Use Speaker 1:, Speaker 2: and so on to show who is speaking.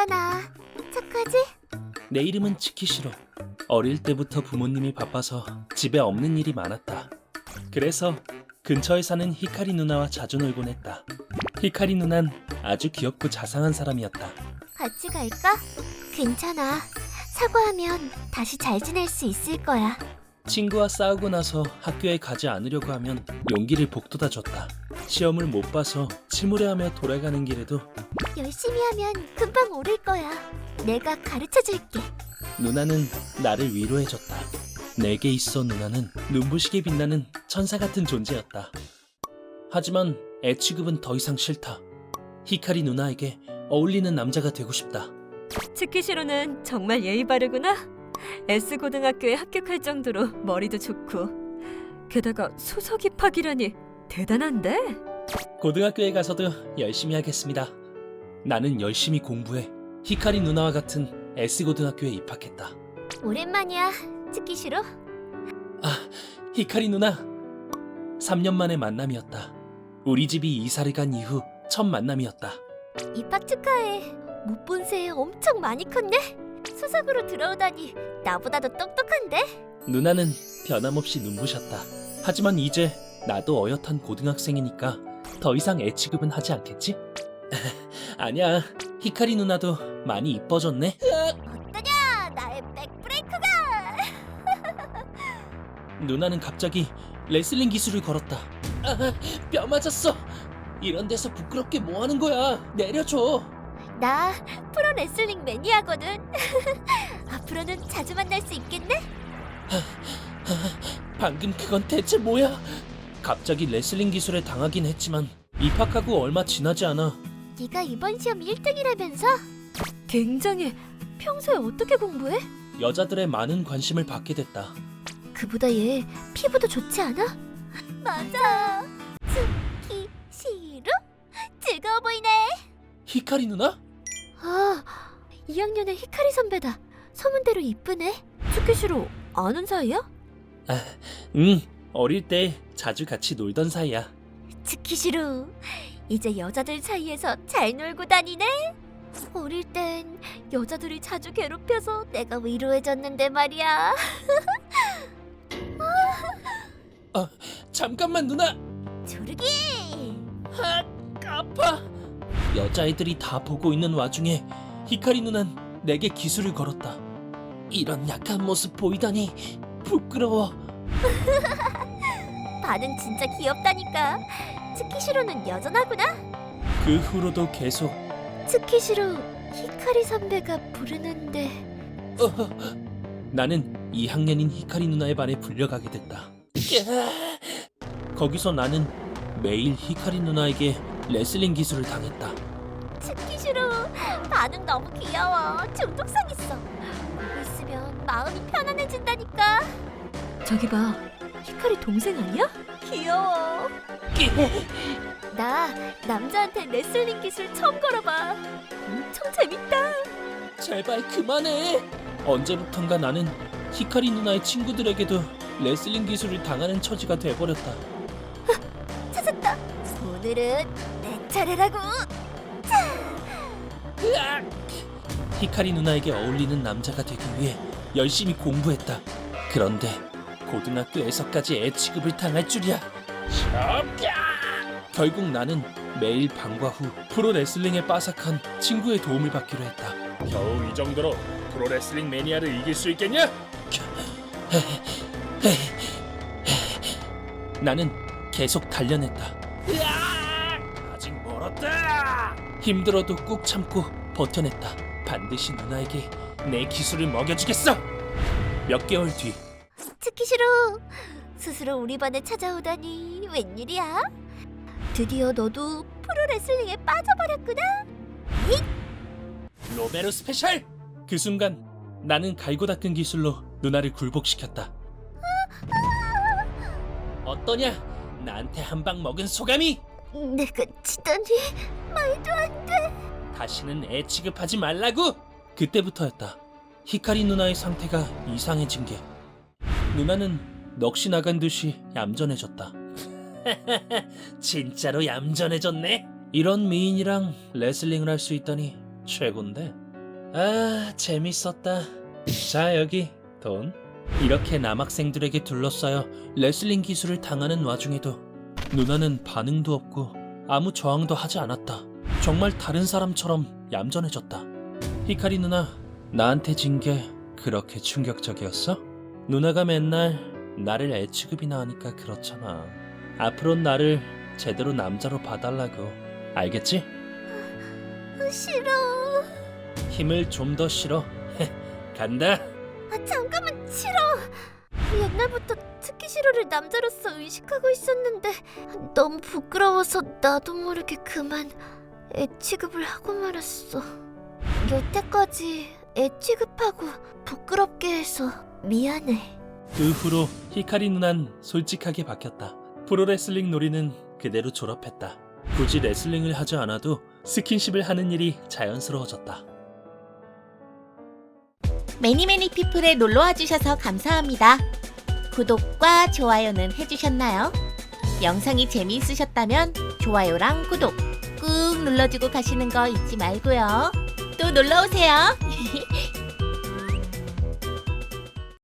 Speaker 1: 괜찮아. 착하지?
Speaker 2: 내 이름은 치키시로. 어릴 때부터 부모님이 바빠서 집에 없는 일이 많았다. 그래서 근처에 사는 히카리 누나와 자주 놀곤 했다. 히카리 누난 아주 귀엽고 자상한 사람이었다.
Speaker 1: 같이 갈까? 괜찮아. 사과하면 다시 잘 지낼 수 있을 거야.
Speaker 2: 친구와 싸우고 나서 학교에 가지 않으려고 하면 용기를 북돋아줬다. 시험을 못 봐서 침울해하며 돌아가는 길에도
Speaker 1: 열심히 하면 금방 오를 거야. 내가 가르쳐줄게.
Speaker 2: 누나는 나를 위로해줬다. 내게 있어 누나는 눈부시게 빛나는 천사 같은 존재였다. 하지만 애 취급은 더 이상 싫다. 히카리 누나에게 어울리는 남자가 되고 싶다.
Speaker 3: 치키시로는 정말 예의 바르구나. S고등학교에 합격할 정도로 머리도 좋고 게다가 수석 입학이라니 대단한데?
Speaker 2: 고등학교에 가서도 열심히 하겠습니다. 나는 열심히 공부해 히카리 누나와 같은 S고등학교에 입학했다.
Speaker 1: 오랜만이야, 치키시로.
Speaker 2: 아, 히카리 누나. 3년 만의 만남이었다. 우리 집이 이사를 간 이후 첫 만남이었다.
Speaker 1: 입학 축하해. 못 본 새에 엄청 많이 컸네. 수석으로 들어오다니 나보다도 똑똑한데?
Speaker 2: 누나는 변함없이 눈부셨다. 하지만 이제 나도 어엿한 고등학생이니까 더 이상 애 취급은 하지 않겠지? 아니야, 히카리 누나도 많이 이뻐졌네.
Speaker 1: 어떠냐, 나의 백브레이크가!
Speaker 2: 누나는 갑자기 레슬링 기술을 걸었다. 아, 뼈 맞았어. 이런 데서 부끄럽게 뭐 하는 거야? 내려줘.
Speaker 1: 나 프로 레슬링 매니아거든. 앞으로는 자주 만날 수 있겠네?
Speaker 2: 방금 그건 대체 뭐야? 갑자기 레슬링 기술에 당하긴 했지만 입학하고 얼마 지나지 않아
Speaker 1: 네가 이번 시험 1등이라면서?
Speaker 3: 굉장히 평소에 어떻게 공부해?
Speaker 2: 여자들의 많은 관심을 받게 됐다.
Speaker 1: 그보다 얘 피부도 좋지 않아? 맞아. 치키시로? 즐거워 보이네.
Speaker 2: 히카리 누나?
Speaker 1: 아, 2학년의 히카리 선배다. 소문대로 이쁘네.
Speaker 3: 치키시로 아는 사이야?
Speaker 2: 응, 어릴 때 자주 같이 놀던 사이야.
Speaker 1: 치키시로, 이제 여자들 사이에서 잘 놀고 다니네. 어릴 땐 여자들이 자주 괴롭혀서 내가 위로해줬는데 말이야.
Speaker 2: 잠깐만 누나.
Speaker 1: 조르기!
Speaker 2: 아, 아파. 여자애들이 다 보고 있는 와중에 히카리 누난 내게 기술을 걸었다. 이런 약한 모습 보이다니 부끄러워.
Speaker 1: 반응 진짜 귀엽다니까. 치키시로는 여전하구나.
Speaker 2: 그 후로도 계속
Speaker 1: 치키시로 히카리 선배가 부르는데.
Speaker 2: 나는 2학년인 히카리 누나의 반에 불려가게 됐다. 거기서 나는 매일 히카리 누나에게 레슬링 기술을 당했다.
Speaker 1: 치키시로 반응 너무 귀여워. 중독성 있어. 보고 있으면 마음이 편안해진다니까.
Speaker 3: 저기 봐, 히카리 동생 아니야?
Speaker 1: 귀여워. 나 남자한테 레슬링 기술 처음 걸어봐. 엄청 재밌다.
Speaker 2: 제발 그만해. 언제부턴가 나는 히카리 누나의 친구들에게도 레슬링 기술을 당하는 처지가 돼버렸다.
Speaker 1: 찾았다. 오늘은 내 차례라고.
Speaker 2: 으악! 히카리 누나에게 어울리는 남자가 되기 위해 열심히 공부했다. 그런데 고등학교에서까지 애 취급을 당할 줄이야. 결국 나는 매일 방과 후 프로 레슬링에 빠삭한 친구의 도움을 받기로 했다.
Speaker 4: 겨우 이 정도로 프로레슬링 매니아를 이길 수 있겠냐?
Speaker 2: 나는 계속 단련했다.
Speaker 4: 아직 멀었다.
Speaker 2: 힘들어도 꾹 참고 버텨냈다. 반드시 누나에게 내 기술을 먹여주겠어. 몇 개월 뒤
Speaker 1: 치키시로 스스로 우리 반에 찾아오다니 웬일이야? 드디어 너도 프로 레슬링에 빠져버렸구나.
Speaker 2: 로베르 스페셜! 그 순간 나는 갈고 닦은 기술로 누나를 굴복시켰다. 어떠냐? 나한테 한 방 먹은 소감이?
Speaker 1: 내가 지다니 말도 안 돼.
Speaker 2: 다시는 애 취급하지 말라고! 그때부터였다. 히카리 누나의 상태가 이상해진 게. 누나는 넋이 나간 듯이 얌전해졌다. 진짜로 얌전해졌네? 이런 미인이랑 레슬링을 할 수 있다니 최곤데. 아, 재밌었다. 자, 여기 돈. 이렇게 남학생들에게 둘러싸여 레슬링 기술을 당하는 와중에도 누나는 반응도 없고 아무 저항도 하지 않았다. 정말 다른 사람처럼 얌전해졌다. 히카리 누나, 나한테 진 게 그렇게 충격적이었어? 누나가 맨날 나를 애 취급이나 하니까 그렇잖아. 앞으론 나를 제대로 남자로 봐달라고. 알겠지?
Speaker 1: 싫어.
Speaker 2: 힘을 좀 더 실어. 간다.
Speaker 1: 잠깐만, 싫어. 옛날부터 트키시로를 남자로서 의식하고 있었는데 너무 부끄러워서 나도 모르게 그만 애 취급을 하고 말았어. 여태까지 애 취급하고 부끄럽게 해서 미안해.
Speaker 2: 그 후로 히카리 누난 솔직하게 바뀌었다. 프로레슬링 놀이는 그대로 졸업했다. 굳이 레슬링을 하지 않아도 스킨십을 하는 일이 자연스러워졌다.
Speaker 5: 매니매니 피플에 놀러와 주셔서 감사합니다. 구독과 좋아요는 해주셨나요? 영상이 재미있으셨다면 좋아요랑 구독 꾹 눌러주고 가시는 거 잊지 말고요. 또 놀러오세요.